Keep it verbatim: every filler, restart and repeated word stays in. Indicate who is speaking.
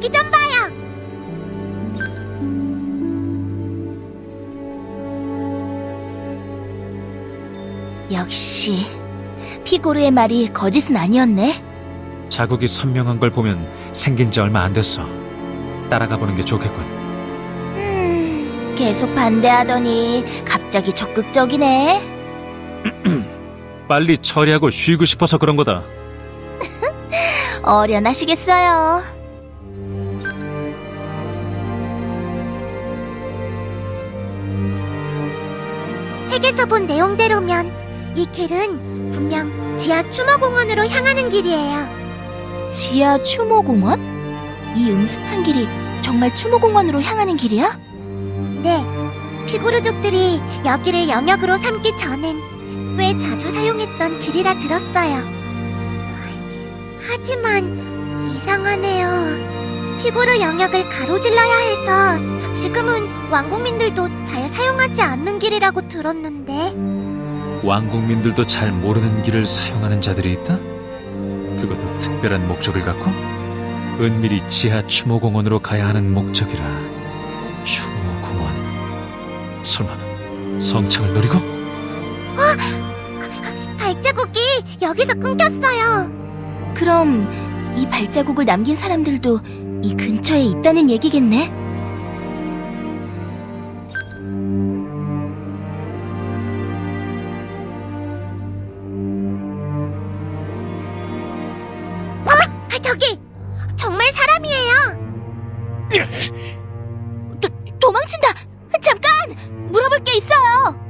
Speaker 1: 저기 좀 봐요.
Speaker 2: 역시 피고르의 말이 거짓은 아니었네.
Speaker 3: 자국이 선명한 걸 보면 생긴 지 얼마 안 됐어. 따라가 보는 게 좋겠군.
Speaker 2: 음, 계속 반대하더니 갑자기 적극적이네.
Speaker 3: 빨리 처리하고 쉬고 싶어서 그런 거다.
Speaker 2: 어련하시겠어요.
Speaker 1: 책에서 본 내용대로면 이 길은 분명 지하 추모공원으로 향하는 길이에요.
Speaker 2: 지하 추모공원? 이 음습한 길이 정말 추모공원으로 향하는 길이야?
Speaker 1: 네, 피고르족들이 여기를 영역으로 삼기 전엔 꽤 자주 사용했던 길이라 들었어요. 하지만 이상하네요. 피고르 영역을 가로질러야 해서 지금은 왕국민들도 잘 사용하지 않는 길이라고 들었는데.
Speaker 3: 왕국민들도 잘 모르는 길을 사용하는 자들이 있다? 그것도 특별한 목적을 갖고? 은밀히 지하 추모공원으로 가야 하는 목적이라. 추모공원. 설마 성창을 노리고?
Speaker 1: 발자국이 여기서 끊겼어요.
Speaker 2: 그럼 이 발자국을 남긴 사람들도 이 근처에 있다는 얘기겠네?
Speaker 1: 아, 저기! 정말 사람이에요!
Speaker 2: 도, 도망친다! 잠깐! 물어볼 게 있어요!